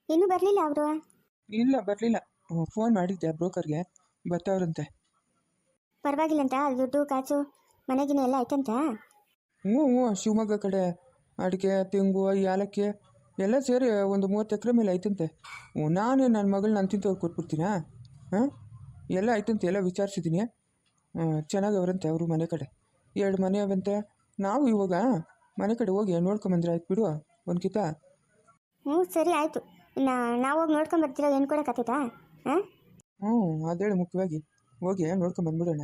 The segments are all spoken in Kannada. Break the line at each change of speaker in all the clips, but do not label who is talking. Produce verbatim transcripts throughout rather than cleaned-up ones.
ಇನ್ನೂ ಬರಲಿಲ್ಲ ಅವರು?
ಇಲ್ಲ ಬರಲಿಲ್ಲ. ಫೋನ್ ಮಾಡಿದ್ದೆ ಬ್ರೋಕರ್ಗೆ, ಬರ್ತಾವ್ರಂತೆ.
ಪರವಾಗಿಲ್ಲಂತ ದುಡ್ಡು ಕಾಸು ಮನೆಗಿನ ಎಲ್ಲ ಆಯ್ತಂತ?
ಹ್ಞೂ ಹ್ಞೂ ಶಿವಮೊಗ್ಗ ಕಡೆ ಅಡಿಕೆ ತೆಂಗು ಏಲಕ್ಕಿ ಎಲ್ಲ ಸೇರಿ ಒಂದು ಮೂವತ್ತು ಎಕರೆ ಮೇಲೆ ಐತಂತೆ. ಹ್ಞೂ ನಾನೇ ನನ್ನ ಮಗಳು ನಾನು ತಿಂತವ್ರು ಕೊಟ್ಬಿಡ್ತೀನಾ? ಹಾಂ ಎಲ್ಲ ಆಯ್ತಂತೆ, ಎಲ್ಲ ವಿಚಾರಿಸಿದ್ದೀನಿ. ಚೆನ್ನಾಗವ್ರಂತೆ ಅವರು ಮನೆ ಕಡೆ. ಎರಡು ಮನೆ ಅವಂತೆ. ನಾವು ಇವಾಗ ಮನೆ ಕಡೆ ಹೋಗಿ ನೋಡ್ಕೊಂಬಂದ್ರೆ ಆಯ್ತು ಬಿಡು ಒಂದು ಕಿತ.
ಹ್ಞೂ ಸರಿ ಆಯಿತು. ಇನ್ನು ನಾವು ಹೋಗಿ ನೋಡ್ಕೊಂಡು ಬರ್ತೀರೋ ಏನು ಕೊಡೋಕ್ಕಾಗ್ತದಾ? ಹಾಂ
ಹ್ಞೂ ಅದೇಳು ಮುಖ್ಯವಾಗಿ ಹೋಗಿ ನೋಡ್ಕೊಂಬಂದ್ಬಿಡೋಣ.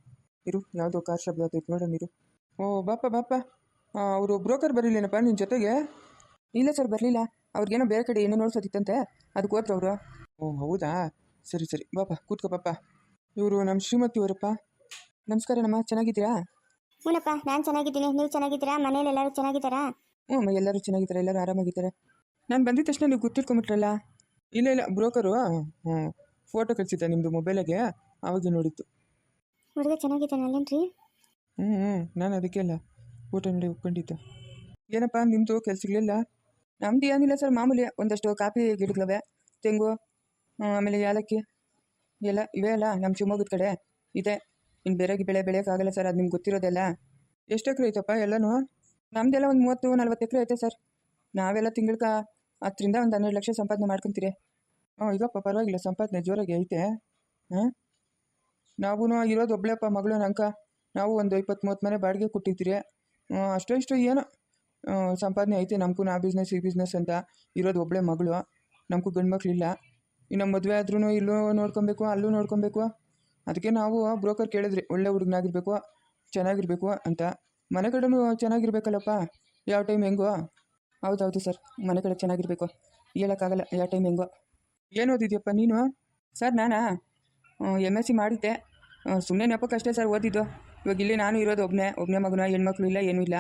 ಇರು ಯಾವುದೋ ಕಾರ್ ಶಬ್ದ ಆಗ್ತೈತೆ ನೋಡೋಣ ಇರು. ಓ ಬಾಪ ಬಾಪ, ಅವರು ಬ್ರೋಕರ್ ಬರಲಿಲ್ಲನಪ್ಪ ನಿನ್ನ ಜೊತೆಗೆ?
ಇಲ್ಲ ಸರ್ ಬರಲಿಲ್ಲ. ಅವ್ರಿಗೇನೋ ಬೇರೆ ಕಡೆ ಏನೋ ನೋಡ್ಸೋದಿತ್ತಂತೆ, ಅದಕ್ಕೆ ಹೋದ್ರು ಅವರು.
ಓ ಹೌದಾ, ಸರಿ ಸರಿ ಬಾಪ ಕೂತ್ಕೋ ಪಾಪ. ಇವರು ನಮ್ಮ ಶ್ರೀಮತಿ ಅವರಪ್ಪ.
ನಮಸ್ಕಾರ ನಮ್ಮ, ಚೆನ್ನಾಗಿದ್ದೀರಾ?
ಹ್ಞೂನಪ್ಪ ನಾನು ಚೆನ್ನಾಗಿದ್ದೀನಿ. ನೀವು ಚೆನ್ನಾಗಿದ್ದೀರಾ? ಮನೇಲಿ ಎಲ್ಲರೂ ಚೆನ್ನಾಗಿದ್ದಾರಾ?
ಹ್ಞೂ ಎಲ್ಲರೂ ಚೆನ್ನಾಗಿದ್ದಾರೆ, ಎಲ್ಲರೂ ಆರಾಮಾಗಿದ್ದಾರೆ. ನಾನು ಬಂದಿದ್ದ ತಕ್ಷಣ ನೀವು ಗೊತ್ತಿಟ್ಕೊಂಬಿಟ್ರಲ್ಲ?
ಇಲ್ಲ ಇಲ್ಲ ಬ್ರೋಕರು ಹ್ಞೂ ಫೋಟೋ ಕಳಿಸಿದ್ದೆ ನಿಮ್ಮದು ಮೊಬೈಲಾಗೆ, ಆವಾಗ ನೋಡಿತ್ತು.
ಹುಡುಗ ಚೆನ್ನಾಗಿದ್ದಾನಲ್ಲೇನ್ರಿ?
ಹ್ಞೂ ಹ್ಞೂ ನಾನು ಅದಕ್ಕೆ ಅಲ್ಲ ಫೋಟೋ ನೋಡಿ ಒಪ್ಕೊಂಡಿದ್ದು. ಏನಪ್ಪ ನಿಮ್ಮದು ಕೆಲಸಗಳಿಲ್ಲ?
ನಮ್ದು ಏನಿಲ್ಲ ಸರ್, ಮಾಮೂಲಿ ಒಂದಷ್ಟು ಕಾಫಿ ಗಿಡಗಳವೆ, ತೆಂಗು, ಆಮೇಲೆ ಏಲಕ್ಕಿ ಎಲ್ಲ ಇವೇ ಅಲ್ಲ ನಮ್ಮ ಶಿವಮೊಗ್ಗದ ಕಡೆ ಇದೆ. ಇನ್ನು ಬೇರೆ ಬೆಳೆ ಬೆಳೆಯೋಕ್ಕಾಗಲ್ಲ ಸರ್, ಅದು ನಿಮ್ಗೆ ಗೊತ್ತಿರೋದೆಲ್ಲ.
ಎಷ್ಟು ಎಕರೆ ಐತಪ್ಪ ಎಲ್ಲನೂ?
ನಮ್ದೆಲ್ಲ ಒಂದು ಮೂವತ್ತು ನಲ್ವತ್ತು ಎಕರೆ ಐತೆ ಸರ್. ನಾವೆಲ್ಲ ತಿಂಗಳಿಗೆ ಹತ್ತರಿಂದ ಒಂದು ಹನ್ನೆರಡು ಲಕ್ಷ ಸಂಪಾದನೆ ಮಾಡ್ಕೊತೀರಿ.
ಹ್ಞೂ ಈಗಪ್ಪ ಪರವಾಗಿಲ್ಲ, ಸಂಪಾದನೆ ಜೋರಾಗಿ ಐತೆ. ಹಾಂ ನಾವೂ ಇರೋದು ಒಬ್ಳೆಪ್ಪ ಮಗಳು ನಂಕ. ನಾವು ಒಂದು ಇಪ್ಪತ್ತು ಮೂವತ್ತು ಮನೆ ಬಾಡಿಗೆ ಕೊಟ್ಟಿರ್ತೀರಿ. ಅಷ್ಟೋ ಇಷ್ಟು ಏನೋ ಸಂಪಾದನೆ ಐತೆ ನಮಗೂ. ನಾ ಬಿಸ್ನೆಸ್ ಈ ಬಿಸ್ನೆಸ್ ಅಂತ ಇರೋದು ಒಬ್ಬಳೆ ಮಗಳು, ನಮಗೂ ಗಂಡು ಮಕ್ಕಳಿಲ್ಲ. ಇನ್ನು ಮದುವೆ ಆದ್ರೂ ಇಲ್ಲೂ ನೋಡ್ಕೊಬೇಕು ಅಲ್ಲೂ ನೋಡ್ಕೊಬೇಕು. ಅದಕ್ಕೆ ನಾವು ಬ್ರೋಕರ್ ಕೇಳಿದ್ರಿ, ಒಳ್ಳೆ ಹುಡುಗನಾಗಿರ್ಬೇಕು, ಚೆನ್ನಾಗಿರ್ಬೇಕು ಅಂತ. ಮನೆ ಕಡೆನೂ ಚೆನ್ನಾಗಿರ್ಬೇಕಲ್ಲಪ್ಪ, ಯಾವ ಟೈಮ್ ಹೆಂಗೋ.
ಹೌದೌದು ಸರ್, ಮನೆ ಕಡೆ ಚೆನ್ನಾಗಿರಬೇಕು, ಹೇಳೋಕ್ಕಾಗಲ್ಲ ಯಾವ ಟೈಮ್ ಹೆಂಗೋ.
ಏನು ಓದಿದ್ಯಪ್ಪ ನೀನು?
ಸರ್ ನಾನಾ ಎಮ್ ಎಸ್ ಸಿ ಮಾಡಿದ್ದೆ, ಸುಮ್ಮನೆ ನೆಪಕ್ಕಷ್ಟೇ ಸರ್ ಓದಿದ್ದು. ಇವಾಗ ಇಲ್ಲಿ ನಾನು ಇರೋದು ಒಬ್ಬನೇ ಒಬ್ಬನೇ ಮಗನ, ಹೆಣ್ಮಕ್ಳು ಇಲ್ಲ ಏನೂ ಇಲ್ಲ.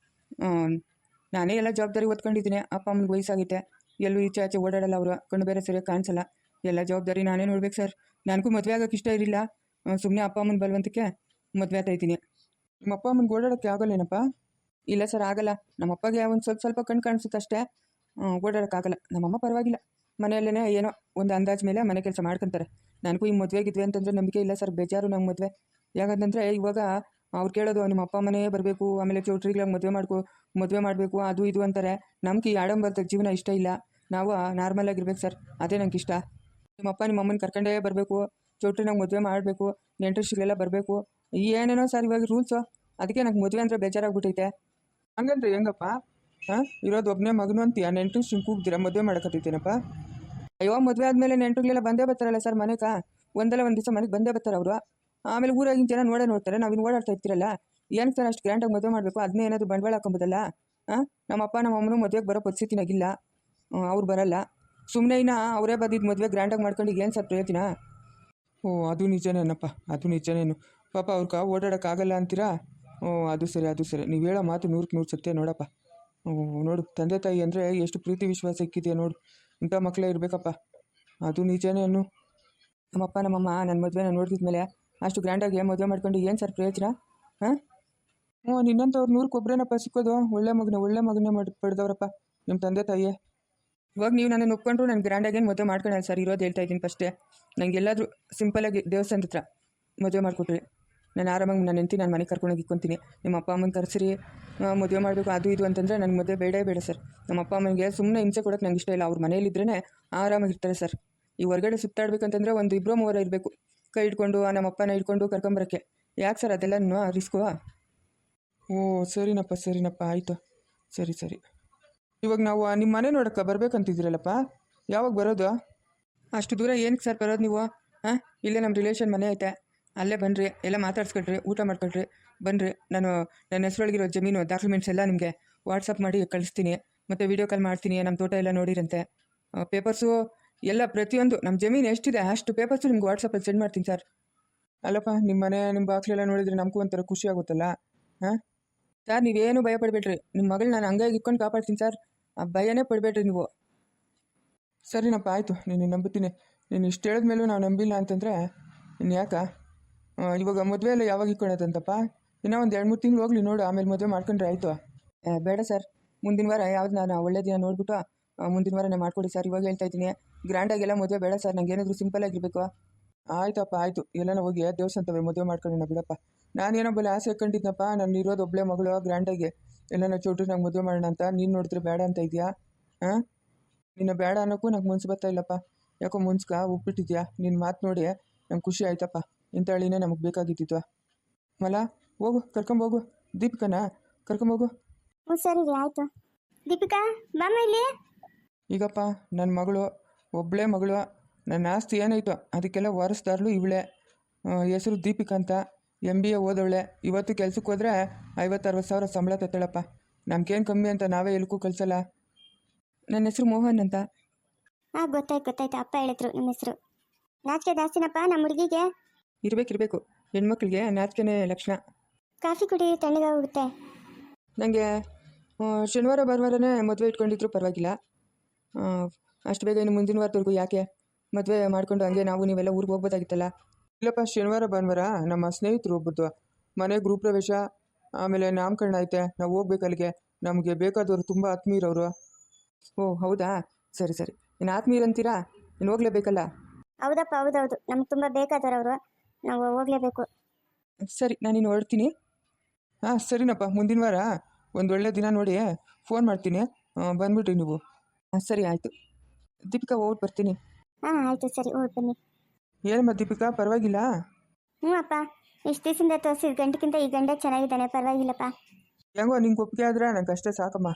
ನಾನೇ ಎಲ್ಲ ಜವಾಬ್ದಾರಿ ಓದ್ಕೊಂಡಿದ್ದೀನಿ. ಅಪ್ಪ ಅಮ್ಮನಿಗೆ ವಯಸ್ಸಾಗೈತೆ, ಎಲ್ಲೂ ಈಚೆ ಆಚೆ ಓಡಾಡಲ್ಲ ಅವರು, ಕಣ್ಣು ಬೇರೆ ಸರಿಯಾಗಿ ಕಾಣಿಸಲ್ಲ. ಎಲ್ಲ ಜವಾಬ್ದಾರಿ ನಾನೇ ನೋಡ್ಬೇಕು ಸರ್. ನನಗೂ ಮದುವೆ ಆಗೋಕ್ಕೆ ಇಷ್ಟ ಇರಲಿಲ್ಲ, ಸುಮ್ಮನೆ ಅಪ್ಪ ಅಮ್ಮನ ಬಲವಂತಕ್ಕೆ ಮದುವೆ ಆಗ್ತಾ ಇದ್ದೀನಿ.
ನಿಮ್ಮ ಅಪ್ಪ ಅಮ್ಮನಿಗೆ ಓಡಾಡೋಕ್ಕೆ ಆಗಲ್ಲೇನಪ್ಪ?
ಇಲ್ಲ ಸರ್ ಆಗಲ್ಲ. ನಮ್ಮ ಅಪ್ಪಗೆ ಒಂದು ಸ್ವಲ್ಪ ಸ್ವಲ್ಪ ಕಣ್ಣು ಕಾಣಿಸುತ್ತೆ ಅಷ್ಟೇ, ಓಡಾಡೋಕ್ಕಾಗಲ್ಲ. ನಮ್ಮಮ್ಮ ಪರವಾಗಿಲ್ಲ, ಮನೆಯಲ್ಲೇ ಏನೋ ಒಂದು ಅಂದಾಜು ಮೇಲೆ ಮನೆ ಕೆಲಸ ಮಾಡ್ಕೊತಾರೆ. ನನಗೂ ಈ ಮದುವೆಗಿದ್ವಿ ಅಂತಂದರೆ ನಂಬಿಕೆ ಇಲ್ಲ ಸರ್, ಬೇಜಾರು ನಮ್ಮ ಮದುವೆ. ಯಾಕಂತಂದರೆ ಇವಾಗ ಅವ್ರು ಕೇಳೋದು ನಿಮ್ಮ ಅಪ್ಪ ಮನೆ ಬರಬೇಕು, ಆಮೇಲೆ ಚೌಟ್ರಿಗಳಾಗಿ ಮದುವೆ ಮಾಡ್ಕೊ ಮದುವೆ ಮಾಡಬೇಕು ಅದು ಇದು ಅಂತಾರೆ. ನಮ್ಗೆ ಈ ಆಡಂಬರದ ಜೀವನ ಇಷ್ಟ ಇಲ್ಲ, ನಾವು ನಾರ್ಮಲ್ ಆಗಿರ್ಬೇಕು ಸರ್, ಅದೇ ನಂಗೆ ಇಷ್ಟ. ನಿಮ್ಮಪ್ಪ ನಿಮ್ಮ ಅಮ್ಮನ ಕರ್ಕೊಂಡೇ ಬರಬೇಕು, ಚೌಟ್ರಿನಾಗ ಮದುವೆ ಮಾಡಬೇಕು, ನೆಂಟರಿಷ್ಟಗಳೆಲ್ಲ ಬರಬೇಕು, ಏನೇನೋ ಸರ್ ಇವಾಗ ರೂಲ್ಸು. ಅದಕ್ಕೆ ನಂಗೆ ಮದುವೆ ಅಂದರೆ ಬೇಜಾರಾಗ್ಬಿಟ್ಟೈತೆ.
ಹಂಗಂದ್ರೆ ಹೆಂಗಪ್ಪ? ಹಾಂ ಇರೋದು ಒಬ್ಬನೇ ಮಗನು ಅಂತೀಯ, ನೆಂಟರು ಸುಮ್ ಕೂಗ್ದಿರ ಮದುವೆ ಮಾಡೋಕತ್ತೈತೇನಪ್ಪ?
ಅಯ್ಯೋ ಮದುವೆ ಆದಮೇಲೆ ನೆಂಟರುಗಳೆಲ್ಲ ಬಂದೇ ಬರ್ತಾರಲ್ಲ ಸರ್ ಮನೆಗೆ, ಒಂದಲ್ಲ ಒಂದು ದಿವಸ ಮನೆಗೆ ಬಂದೇ ಬರ್ತಾರೆ ಅವರು. ಆಮೇಲೆ ಊರಾಗಿನ ಜನ ನೋಡೇ ನೋಡ್ತಾರೆ, ನಾವು ಇನ್ನು ಓಡಾಡ್ತಾ ಇರ್ತೀರಲ್ಲ, ಏನಕ್ಕೆ ಸರ್ ಅಷ್ಟು ಗ್ರ್ಯಾಂಡಾಗಿ ಮದುವೆ ಮಾಡಬೇಕು? ಅದನ್ನೇ ಏನಾದರೂ ಬಂಡವಾಳ ಹಾಕೊಂಬೋದಲ್ಲ. ಹಾಂ ನಮ್ಮ ಅಪ್ಪ ನಮ್ಮ ಅಮ್ಮನೂ ಮದುವೆಗೆ ಬರೋ ಪರಿಸ್ಥಿತಿನಾಗಿಲ್ಲ, ಅವ್ರು ಬರಲ್ಲ. ಸುಮ್ಮನೆ ಇನ್ನು ಅವರೇ ಬಂದಿದ್ದು ಮದುವೆ ಗ್ರ್ಯಾಂಡಾಗಿ ಮಾಡ್ಕೊಂಡು ಏನು ಸರ್ ಪ್ರಯೋಜನ?
ಓ ಅದು ನಿಜನೇನಪ್ಪ, ಅದು ನಿಜನೇನು ಪಾಪ. ಅವ್ರಿಗೆ ಓಡಾಡೋಕ್ಕಾಗಲ್ಲ ಅಂತೀರಾ? ಓ ಅದು ಸರಿ ಅದು ಸರಿ, ನೀವು ಹೇಳೋ ಮಾತು ನೂರಕ್ಕೆ ನೂರು ಸತ್ಯ ನೋಡಪ್ಪ. ನೋಡು ತಂದೆ ತಾಯಿ ಅಂದರೆ ಎಷ್ಟು ಪ್ರೀತಿ ವಿಶ್ವಾಸ ಇಕ್ಕಿದೆಯಾ ನೋಡು, ಇಂಥ ಮಕ್ಕಳೇ ಇರಬೇಕಪ್ಪ, ಅದು ನಿಜನೇನು.
ನಮ್ಮಪ್ಪ ನಮ್ಮಮ್ಮ ನನ್ನ ಮದುವೆನ ನೋಡಿದ್ಮೇಲೆ ಅಷ್ಟು ಗ್ರ್ಯಾಂಡಾಗಿ ಮದುವೆ ಮಾಡ್ಕೊಂಡು ಏನು ಸರ್ ಪ್ರಯೋಜನ? ಹಾಂ
ಹ್ಞೂ ನಿನ್ನಂಥವ್ರು ನೂರಕ್ಕೊಬ್ರೇನಪ್ಪ ಸಿಕ್ಕೋದು, ಒಳ್ಳೆ ಮಗನ ಒಳ್ಳೆ ಮಗನೇ ಮಾಡಿ ಪಡೆದವ್ರಪ್ಪ ನಿಮ್ಮ ತಂದೆ ತಾಯಿ.
ಇವಾಗ ನೀವು ನನ್ನ ಒಪ್ಕೊಂಡ್ರು ನಾನು ಗ್ರ್ಯಾಂಡಾಗೇನು ಮದುವೆ ಮಾಡ್ಕೊಳ್ಳಲ್ಲ ಸರ್, ಇರೋದು ಹೇಳ್ತಾ ಇದ್ದೀನಿ ಫಸ್ಟೇ. ನನಗೆ ಎಲ್ಲಾದರೂ ಸಿಂಪಲಾಗಿ ದೇವಸ್ಥಾನದ ಹತ್ರ ಮದುವೆ ಮಾಡಿಕೊಟ್ರಿ, ನಾನು ಆರಾಮಾಗಿ ನನ್ನ ಹೆಂಡತಿ ನಾನು ಮನೆಗೆ ಕರ್ಕೊಂಡೋಗಿ ಇಕ್ಕೊತೀನಿ. ನಿಮ್ಮ ಅಪ್ಪ ಅಮ್ಮನ ಕರೆಸಿರಿ ಮದುವೆ ಮಾಡಬೇಕು ಅದು ಇದು ಅಂತಂದರೆ ನನಗೆ ಮದುವೆ ಬೇಡೇ ಬೇಡ ಸರ್. ನಮ್ಮ ಅಪ್ಪ ಅಮ್ಮನಿಗೆ ಸುಮ್ಮನೆ ಹಿಂಸೆ ಕೊಡೋಕ್ಕೆ ನಂಗೆ ಇಷ್ಟ ಇಲ್ಲ. ಅವ್ರ ಮನೇಲಿದ್ರೇ ಆರಾಮಾಗಿರ್ತಾರೆ ಸರ್. ಈ ಹೊರಗಡೆ ಸುತ್ತಾಡ್ಬೇಕಂತಂದರೆ ಒಂದು ಇಬ್ಬರು ಮೂವರ ಇರಬೇಕು, ಕೈ ಇಟ್ಕೊಂಡು ನಮ್ಮ ಅಪ್ಪನ ಇಟ್ಕೊಂಡು ಕರ್ಕೊಂಬರೋಕ್ಕೆ. ಯಾಕೆ ಸರ್ ಅದೆಲ್ಲ ರಿಸ್ಕು?
ಓ ಸರಿನಪ್ಪ ಸರಿನಪ್ಪ ಆಯಿತು, ಸರಿ ಸರಿ. ಇವಾಗ ನಾವು ನಿಮ್ಮ ಮನೆ ನೋಡೋಕ್ಕೆ ಬರ್ಬೇಕಂತಿದ್ದೀರಲ್ಲಪ್ಪ, ಯಾವಾಗ ಬರೋದು?
ಅಷ್ಟು ದೂರ ಏನಕ್ಕೆ ಸರ್ ಬರೋದು ನೀವು? ಹಾಂ ಇಲ್ಲೇ ನಮ್ಮ ರಿಲೇಷನ್ ಮನೆ ಐತೆ, ಅಲ್ಲೇ ಬನ್ನಿರಿ, ಎಲ್ಲ ಮಾತಾಡ್ಸ್ಕೊಳ್ರಿ, ಊಟ ಮಾಡ್ಕೊಳ್ರಿ, ಬನ್ನಿರಿ. ನಾನು ನನ್ನ ಹೆಸರೊಳಗಿರೋ ಜಮೀನು ಡಾಕ್ಯುಮೆಂಟ್ಸ್ ಎಲ್ಲ ನಿಮಗೆ ವಾಟ್ಸಪ್ ಮಾಡಿ ಕಳಿಸ್ತೀನಿ, ಮತ್ತು ವೀಡಿಯೋ ಕಾಲ್ ಮಾಡ್ತೀನಿ. ನಮ್ಮ ತೋಟ ಎಲ್ಲ ನೋಡಿರಂತೆ, ಪೇಪರ್ಸು ಎಲ್ಲ ಪ್ರತಿಯೊಂದು ನಮ್ಮ ಜಮೀನು ಎಷ್ಟಿದೆ ಅಷ್ಟು ಪೇಪರ್ಸು ನಿಮ್ಗೆ ವಾಟ್ಸಪ್ಪಲ್ಲಿ ಸೆಂಡ್ ಮಾಡ್ತೀನಿ ಸರ್.
ಅಲ್ಲಪ್ಪ ನಿಮ್ಮ ಮನೆ ನಿಮ್ಮ ಬಾಕ್ಲೆಲ್ಲ ನೋಡಿದರೆ ನಮಗೂ ಒಂಥರ ಖುಷಿ ಆಗುತ್ತಲ್ಲ. ಹಾಂ
ಸರ್ ನೀವೇನು ಭಯ ಪಡಬೇಡ್ರಿ, ನಿಮ್ಮ ಮಗಳು ನಾನು ಹಂಗಾಗಿ ಇಟ್ಕೊಂಡು ಕಾಪಾಡ್ತೀನಿ ಸರ್, ಆ ಭಯನೇ ಪಡಬೇಡ್ರಿ ನೀವು.
ಸರಿನಪ್ಪ ಆಯಿತು, ನೀನು ನಂಬುತ್ತೀನಿ. ನೀನು ಇಷ್ಟು ಹೇಳಿದ್ಮೇಲೂ ನಾವು ನಂಬಿಲ್ಲ ಅಂತಂದರೆ ಇನ್ನು ಯಾಕ? ಇವಾಗ ಮದುವೆ ಎಲ್ಲ ಯಾವಾಗ ಇಟ್ಕೊಳತ್ತಂತಪ್ಪ? ಇನ್ನೂ ಒಂದು ಎರಡು ಮೂರು ತಿಂಗಳು ಹೋಗ್ಲಿ ನೋಡು, ಆಮೇಲೆ ಮದುವೆ ಮಾಡ್ಕೊಂಡ್ರೆ ಆಯಿತು.
ಬೇಡ ಸರ್, ಮುಂದಿನ ವಾರ ಯಾವ್ದು ನಾನು ಒಳ್ಳೆ ದಿನ ನೋಡಿಬಿಟ್ಟು ಮುಂದಿನ ವಾರನೇ ಮಾಡಿಕೊಡಿ ಸರ್. ಇವಾಗ ಹೇಳ್ತಾ ಇದ್ದೀನಿ, ಗ್ರ್ಯಾಂಡಾಗೆಲ್ಲ ಮದುವೆ ಬೇಡ ಸರ್, ನಂಗೆ ಏನಾದರೂ ಸಿಂಪಲ್ ಆಗಿರಬೇಕು.
ಆಯ್ತಪ್ಪ ಆಯಿತು, ಎಲ್ಲನ ಹೋಗಿ ದೇವಸ್ಥಾನತವೆ ಮದುವೆ ಮಾಡ್ಕೊಳ್ಳೋಣ ಬಿಡಪ್ಪ. ನಾನೇನೋ ಬಲ್ಲಿ ಆಸೆ ಕಂಡಿದ್ನಪ್ಪ, ನಾನು ಇರೋದು ಒಬ್ಬಳೆ ಮಗಳು ಗ್ರ್ಯಾಂಡಾಗಿ ಎಲ್ಲನ ಚೌಟ್ರಿ ನಂಗೆ ಮದುವೆ ಮಾಡೋಣ ಅಂತ. ನೀನು ನೋಡಿದ್ರೆ ಬೇಡ ಅಂತ ಇದೆಯಾ? ಹಾಂ, ನಿನ್ನ ಬೇಡ ಅನ್ನೋಕ್ಕೂ ನಂಗೆ ಮುನ್ಸು ಬರ್ತಾ ಇಲ್ಲಪ್ಪ. ಯಾಕೋ ಮುನ್ಸ್ಕ ಉಪ್ಪಿಟ್ಟಿದ್ಯಾ? ನಿನ್ನ ಮಾತು ನೋಡಿ ನಂಗೆ ಖುಷಿ ಆಯ್ತಪ್ಪ. ಇಂಥ ಹಳ್ಳಿನೇ ನಮಗೆ ಬೇಕಾಗಿದ್ದಿತ್ತು. ಮಲ ಹೋಗು, ಕರ್ಕೊಂಬೋಗು ದೀಪಿಕನ, ಕರ್ಕೊಂಬೋಗು.
ಹ್ಞೂ ಸರಿ ರೀ ಆಯಿತು. ದೀಪಿಕಾ ಬಾಮ ಇಲ್ಲಿ.
ಈಗಪ್ಪ ನನ್ನ ಮಗಳು ಒಬ್ಬಳೇ ಮಗಳು, ನನ್ನ ಆಸ್ತಿ ಏನಾಯ್ತು ಅದಕ್ಕೆಲ್ಲ ವಾರಸ್ದಾರ್ಲು ಇವಳೆ. ಹೆಸರು ದೀಪಿಕಾ ಅಂತ, ಎಮ್ ಬಿ ಎ ಓದವಳೆ. ಇವತ್ತು ಕೆಲ್ಸಕ್ಕೆ ಹೋದರೆ ಐವತ್ತು ಅರವತ್ತು ಸಾವಿರ ಸಂಬಳ ತತ್ತಳಪ್ಪ. ನಮ್ಗೇನು ಕಮ್ಮಿ ಅಂತ ನಾವೇ ಎಲ್ಕೂ ಕಳಿಸಲ್ಲ.
ನನ್ನ ಹೆಸರು ಮೋಹನ್ ಅಂತ.
ಹಾಂ ಗೊತ್ತಾಯ್ತು ಗೊತ್ತಾಯ್ತು, ಅಪ್ಪ ಹೇಳಿದ್ರು ನಿಮ್ಮ ಹೆಸರು. ನಾಚಿಕೆ ಜಾಸ್ತಿನಪ್ಪ ನಮ್ಮ ಹುಡುಗಿಗೆ.
ಇರಬೇಕಿರಬೇಕು, ಹೆಣ್ಮಕ್ಳಿಗೆ ನಾಚಿಕೆನೇ ಲಕ್ಷಣ.
ಕಾಫಿ ಕುಡಿ, ತಣ್ಣಗೆ ಹೋಗುತ್ತೆ.
ನನಗೆ ಶನಿವಾರ ಭಾನುವಾರನೇ ಮದುವೆ ಇಟ್ಕೊಂಡಿದ್ರು ಪರವಾಗಿಲ್ಲ. ಅಷ್ಟು ಬೇಗ ಇನ್ನು ಮುಂದಿನ ವಾರದವರೆಗೂ ಯಾಕೆ ಮದುವೆ ಮಾಡ್ಕೊಂಡು ಹಂಗೆ ನಾವು ನೀವೆಲ್ಲ ಊರಿಗೆ ಹೋಗ್ಬೋದಾಗಿತ್ತಲ್ಲ.
ಇಲ್ಲಪ್ಪ, ಶನಿವಾರ ಭಾನುವಾರ ನಮ್ಮ ಸ್ನೇಹಿತರು ಒಬ್ಬದ್ದು ಮನೆ ಗೃಹ ಪ್ರವೇಶ, ಆಮೇಲೆ ನಾಮಕರಣ ಐತೆ. ನಾವು ಹೋಗ್ಬೇಕು ಅಲ್ಲಿಗೆ. ನಮಗೆ ಬೇಕಾದವರು ತುಂಬ ಆತ್ಮೀಯರವರು.
ಓ ಹೌದಾ, ಸರಿ ಸರಿ. ಇನ್ನು ಆತ್ಮೀಯರಂತೀರಾ, ಇನ್ನು ಹೋಗ್ಲೇಬೇಕಲ್ಲ.
ಹೌದಪ್ಪ ಹೌದೌದು, ನಮ್ಗೆ ತುಂಬ ಬೇಕಾದವರು, ನಾವು ಹೋಗಲೇಬೇಕು.
ಸರಿ, ನಾನಿನ್ನು ಹೊರಡ್ತೀನಿ.
ಹಾಂ ಸರಿನಪ್ಪ, ಮುಂದಿನ ವಾರ ಒಂದು ಒಳ್ಳೆ ದಿನ ನೋಡಿ ಫೋನ್ ಮಾಡ್ತೀನಿ, ಬಂದ್ಬಿಟ್ರಿ ನೀವು.
ಹಾಂ ಸರಿ ಆಯಿತು. ದೀಪಿಕಾ ಹೋಗ್ಬಿಟ್ಟು ಬರ್ತೀನಿ.
ಹಾಂ ಆಯಿತು ಸರಿ, ಹೋಗಿ ಬನ್ನಿ.
ಏನಮ್ಮ ದೀಪಿಕಾ, ಪರವಾಗಿಲ್ಲ?
ಹ್ಞೂ ಅಪ್ಪ, ಇಷ್ಟು ದಿವಸದಿಂದ ತೋರಿಸಿದ ಗಂಡಕ್ಕಿಂತ ಈ ಗಂಡ ಚೆನ್ನಾಗಿದ್ದಾನೆ, ಪರವಾಗಿಲ್ಲಪ್ಪ.
ಹೆಂಗೋ ನಿಂಗೆ ಒಪ್ಪಿಗೆ ಆದ್ರೆ ನಂಗೆ ಅಷ್ಟೇ ಸಾಕಮ್ಮ.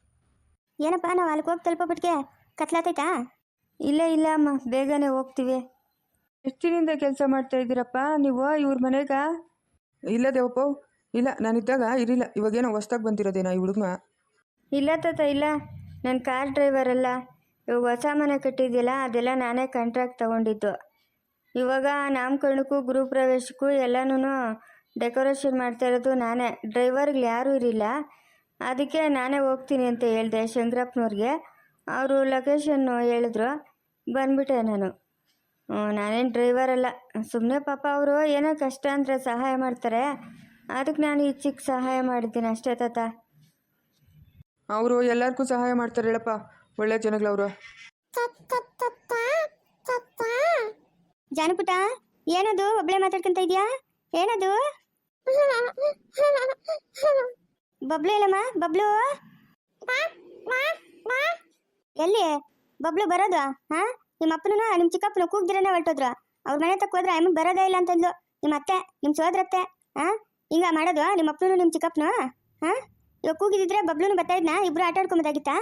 ಏನಪ್ಪ ನಾವು ಅಲ್ಲಿಗೆ ಹೋಗಿ ತಲುಪೋಬಿಟ್ಗೆ ಕತ್ಲಾತೈತಾ?
ಇಲ್ಲ ಇಲ್ಲ ಅಮ್ಮ, ಬೇಗನೆ ಹೋಗ್ತೀವಿ. ಎಷ್ಟು ದಿನದಿಂದ ಕೆಲಸ ಮಾಡ್ತಾ ಇದ್ದೀರಪ್ಪ ನೀವು ಇವ್ರ ಮನೆಗ?
ಇಲ್ಲ ದೇವಪ್ಪ, ಇಲ್ಲ ನಾನಿದ್ದಾಗ ಇರಲಿಲ್ಲ. ಇವಾಗೇನೋ ಹೊಸ್ದಾಗಿ ಬಂದಿರೋದೇನೋ ಈ ಹುಡುಗನ.
ಇಲ್ಲ ತಾತ ಇಲ್ಲ, ನನ್ನ ಕಾರ್ ಡ್ರೈವರ್ ಅಲ್ಲ. ಇವಾಗ ಹೊಸ ಮನೆ ಕಟ್ಟಿದ್ಯಲ್ಲ, ಅದೆಲ್ಲ ನಾನೇ ಕಾಂಟ್ರಾಕ್ಟ್ ತೊಗೊಂಡಿದ್ದು. ಇವಾಗ ನಾಮಕರಣಕ್ಕೂ ಗೃಹ ಪ್ರವೇಶಕ್ಕೂ ಎಲ್ಲನೂ ಡೆಕೋರೇಷನ್ ಮಾಡ್ತಾ ಇರೋದು ನಾನೇ. ಡ್ರೈವರ್ಗಳು ಯಾರೂ ಇರಲಿಲ್ಲ, ಅದಕ್ಕೆ ನಾನೇ ಹೋಗ್ತೀನಿ ಅಂತ ಹೇಳಿದೆ ಶಂಕರಪ್ಪನವ್ರಿಗೆ. ಅವರು ಲೊಕೇಶನ್ನು ಹೇಳಿದ್ರು, ಬಂದ್ಬಿಟ್ಟೆ ನಾನು. ನಾನೇನು ಡ್ರೈವರ್ ಅಲ್ಲ, ಸುಮ್ಮನೆ ಪಾಪ ಅವರು ಏನೋ ಕಷ್ಟ ಅಂದರೆ ಸಹಾಯ ಮಾಡ್ತಾರೆ, ಅದಕ್ಕೆ ನಾನು ಈ ಚಿಕ್ಕ ಸಹಾಯ ಮಾಡಿದ್ದೀನಿ ಅಷ್ಟೇ ತಾತ.
ಅವರು ಎಲ್ಲರಿಗೂ ಸಹಾಯ ಮಾಡ್ತಾರೆ ಹೇಳಪ್ಪ, ಒಳ್ಳೆ ಜನಗಳವರು.
ಜಾನುಪುಟ, ಏನದು ಒಬ್ಳೆ ಮಾತಾಡ್ಕೊಂತ ಇದೆಯಾ? ಏನದು? ಬಬ್ಲು ಇಲ್ಲಮ್ಮ, ಬಬ್ಲು ಎಲ್ಲಿ? ಬಬ್ಲು ಬರೋದು? ಹಾಂ, ನಿಮ್ಮ ಅಪ್ಪನೂ ನಿಮ್ಮ ಚಿಕ್ಕಪ್ಪನ ಕೂಗ್ದಿರನೇ ಹೊರಟೋದ್ರು. ಅವ್ರ ಮನೆ ತಕ್ಕ ಹೋದ್ರೆ ಅಮ್ಮ ಬರೋದೇ ಇಲ್ಲ ಅಂತಂದ್ಲು ನಿಮ್ಮ ಅತ್ತೆ, ನಿಮ್ಮ ಸೋದರತ್ತೆ. ಹಾಂ, ಹಿಂಗ ಮಾಡೋದು ನಿಮ್ಮ ಅಪ್ಪನೂ ನಿಮ್ಮ ಚಿಕ್ಕಪ್ಪನು? ಹಾಂ, ಇವಾಗ ಕೂಗಿದಿದ್ರೆ ಬಬ್ಲೂನು ಬರ್ತಾ ಇದ್ನಾ? ಇಬ್ರು ಆಟ ಆಡ್ಕೊಂಬೋದಾಗಿತ್ತಾ?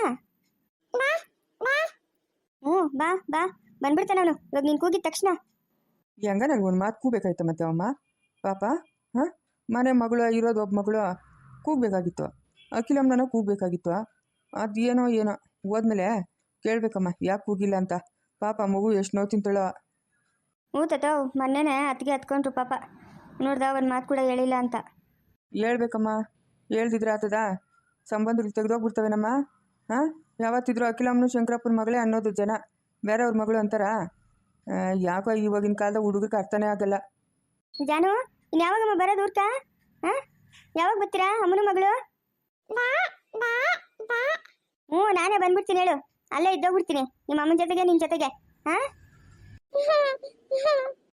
ಹ್ಞೂ ಬಾ ಬಾ, ಬಂದ್ಬಿಡ್ತಾನೆ ಅವನು ಇವಾಗ ನೀನು ಕೂಗಿದ ತಕ್ಷಣ.
ಹೆಂಗ ನನಗೆ ಒಂದು ಮಾತು ಕೂಗಬೇಕಾಯ್ತು ಮತ್ತೆ ಅಮ್ಮ ಪಾಪ. ಹಾಂ, ಮನೆ ಮಗಳು ಇರೋದು ಒಬ್ಬ ಮಗಳು, ಕೂಗಬೇಕಾಗಿತ್ತು. ಅಖಿಲಮ್ಮನ ಕೂಗಬೇಕಾಗಿತ್ತು. ಅದು ಏನೋ ಏನೋ ಹೋದ್ಮೇಲೆ ಕೇಳಬೇಕಮ್ಮ ಯಾಕೆ ಕೂಗಿಲ್ಲ ಅಂತ. ಪಾಪ ಮಗು ಎಷ್ಟು ನೋವು ತಿಂತಾಳೋ.
ಹ್ಞೂ ತತಾವ್, ಮೊನ್ನೆನೇ ಅತ್ತಿಗೆ ಹತ್ಕೊಂಡ್ರು ಪಾಪ. ನೋಡ್ದ ಒಂದು ಮಾತು ಕೂಡ ಹೇಳಿಲ್ಲ ಅಂತ.
ಹೇಳ್ಬೇಕಮ್ಮ, ಹೇಳ್ದಿದ್ರೆ ಆತದ? ಸಂಬಂಧಗಳು ತೆಗೆದೋಗ್ಬಿಡ್ತವೇನಮ್ಮ. ಹಾಂ, ಯಾವತ್ತಿದ್ರು ಅಖಿಲಮ್ಮನು ಶಂಕರಪ್ಪನ ಮಗಳೇ ಅನ್ನೋದು ಜನ, ಬೇರೆಯವ್ರ ಮಗಳು ಅಂತಾರ? ಯಾಕೋ ಇವಾಗಿನ ಕಾಲದ ಹುಡುಗರಿಗೆ ಅರ್ಥನೇ ಆಗಲ್ಲ.
ಜಾನು, ಇನ್ನು ಯಾವಾಗಮ್ಮ ಬರೋದು ಊರ್ಕ? ಹಾಂ, ಯಾವಾಗ ಬರ್ತೀರಾ ಅಮ್ಮನ ಮಗಳು? ಹ್ಞೂ ನಾನೇ ಬಂದ್ಬಿಡ್ತೀನಿ ಹೇಳು, ಅಲ್ಲೇ ಇದ್ದೋಗ್ಬಿಡ್ತೀನಿ ನಿಮ್ಮ ಅಮ್ಮನ ಜೊತೆಗೆ ನಿನ್ನ ಜೊತೆಗೆ. ಹಾಂ